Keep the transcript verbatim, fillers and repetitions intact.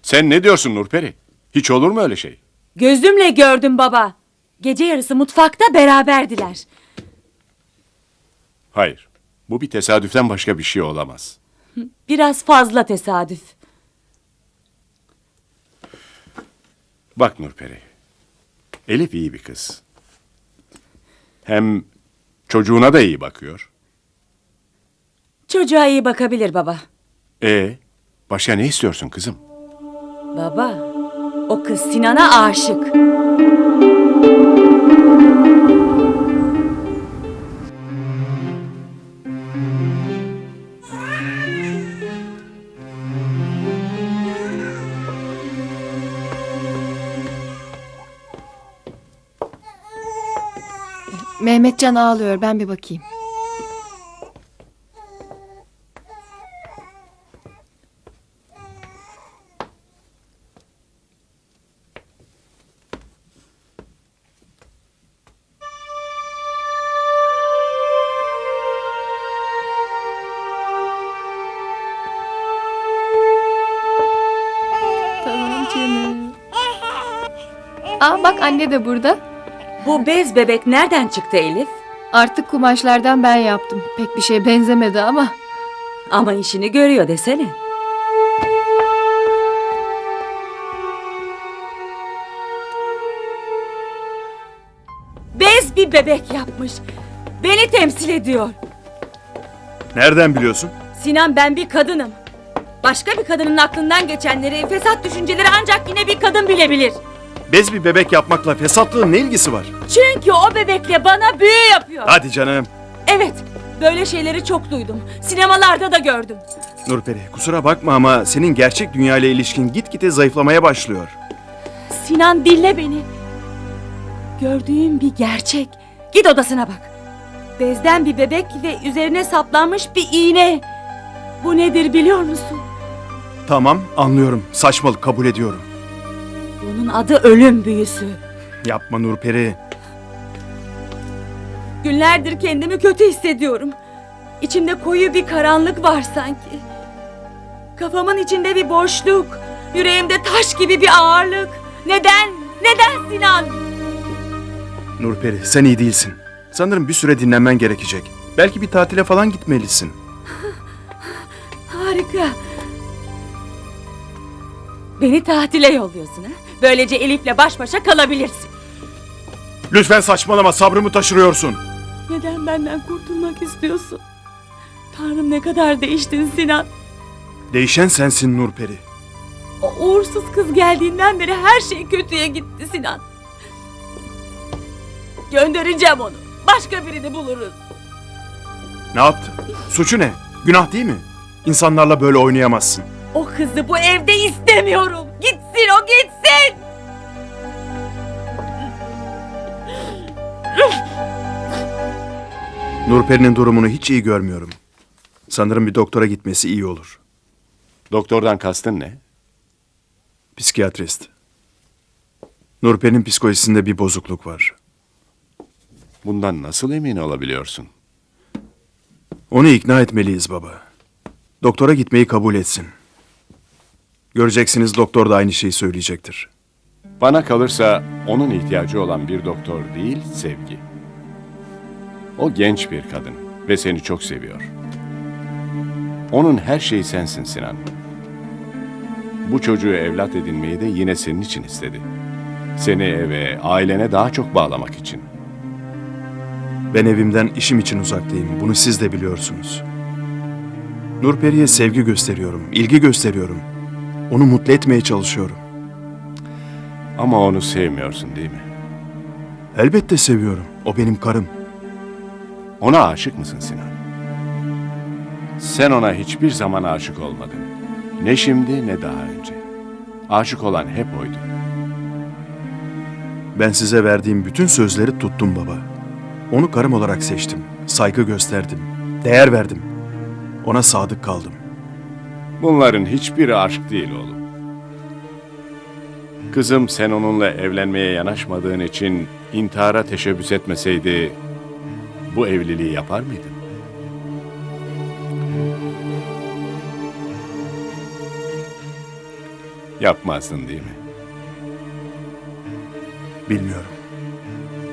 Sen ne diyorsun Nurperi? Hiç olur mu öyle şey? Gözümle gördüm baba. Gece yarısı mutfakta beraberdiler. Hayır. Bu bir tesadüften başka bir şey olamaz. Biraz fazla tesadüf. Bak Nurperi. Elif iyi bir kız. Hem çocuğuna da iyi bakıyor. Çocuğa iyi bakabilir baba. E, başka ne istiyorsun kızım? Baba, o kız Sinan'a aşık. Mehmetcan ağlıyor, ben bir bakayım. Tamam canım. Aa bak, anne de burada. Bu bez bebek nereden çıktı Elif? Artık kumaşlardan ben yaptım. Pek bir şey benzemedi ama. Ama işini görüyor desene. Bez bir bebek yapmış. Beni temsil ediyor. Nereden biliyorsun? Sinan, ben bir kadınım. Başka bir kadının aklından geçenleri, fesat düşünceleri ancak yine bir kadın bilebilir. Bez bir bebek yapmakla fesatlığın ne ilgisi var? Çünkü o bebekle bana büyü yapıyor. Hadi canım. Evet, böyle şeyleri çok duydum. Sinemalarda da gördüm. Nurperi, kusura bakma ama senin gerçek dünya ile ilişkin gitgide zayıflamaya başlıyor. Sinan, dinle beni. Gördüğüm bir gerçek. Git odasına bak. Bezden bir bebek ve üzerine saplanmış bir iğne. Bu nedir biliyor musun? Tamam, anlıyorum. Saçmalık, kabul ediyorum. Bunun adı ölüm büyüsü. Yapma Nurperi. Günlerdir kendimi kötü hissediyorum. İçimde koyu bir karanlık var sanki. Kafamın içinde bir boşluk. Yüreğimde taş gibi bir ağırlık. Neden? Neden Sinan? Nurperi, sen iyi değilsin. Sanırım bir süre dinlenmen gerekecek. Belki bir tatile falan gitmelisin. Harika. Beni tatile yolluyorsun ha? Böylece Elif'le baş başa kalabilirsin. Lütfen saçmalama, sabrımı taşırıyorsun. Neden benden kurtulmak istiyorsun? Tanrım, ne kadar değiştin Sinan. Değişen sensin Nurperi. O uğursuz kız geldiğinden beri her şey kötüye gitti Sinan. Göndereceğim onu. Başka birini buluruz. Ne yaptı? Suçu ne? Günah değil mi? İnsanlarla böyle oynayamazsın. O kızı bu evde istemiyorum. Gitsin o, gitsin. Nurperi'nin durumunu hiç iyi görmüyorum. Sanırım bir doktora gitmesi iyi olur. Doktordan kastın ne? Psikiyatrist. Nurperi'nin psikolojisinde bir bozukluk var. Bundan nasıl emin olabiliyorsun? Onu ikna etmeliyiz baba. Doktora gitmeyi kabul etsin. Göreceksiniz, doktor da aynı şeyi söyleyecektir. Bana kalırsa onun ihtiyacı olan bir doktor değil, sevgi. O genç bir kadın ve seni çok seviyor. Onun her şeyi sensin Sinan. Bu çocuğu evlat edinmeyi de yine senin için istedi. Seni eve, ailene daha çok bağlamak için. Ben evimden işim için uzaktayım. Bunu siz de biliyorsunuz. Nurperi'ye sevgi gösteriyorum, ilgi gösteriyorum. Onu mutlu etmeye çalışıyorum. Ama onu sevmiyorsun değil mi? Elbette seviyorum. O benim karım. Ona aşık mısın Sinan? Sen ona hiçbir zaman aşık olmadın. Ne şimdi ne daha önce. Aşık olan hep oydu. Ben size verdiğim bütün sözleri tuttum baba. Onu karım olarak seçtim. Saygı gösterdim. Değer verdim. Ona sadık kaldım. Bunların hiçbiri aşk değil oğlum. Kızım, sen onunla evlenmeye yanaşmadığın için intihara teşebbüs etmeseydi bu evliliği yapar mıydın? Yapmazdın değil mi? Bilmiyorum.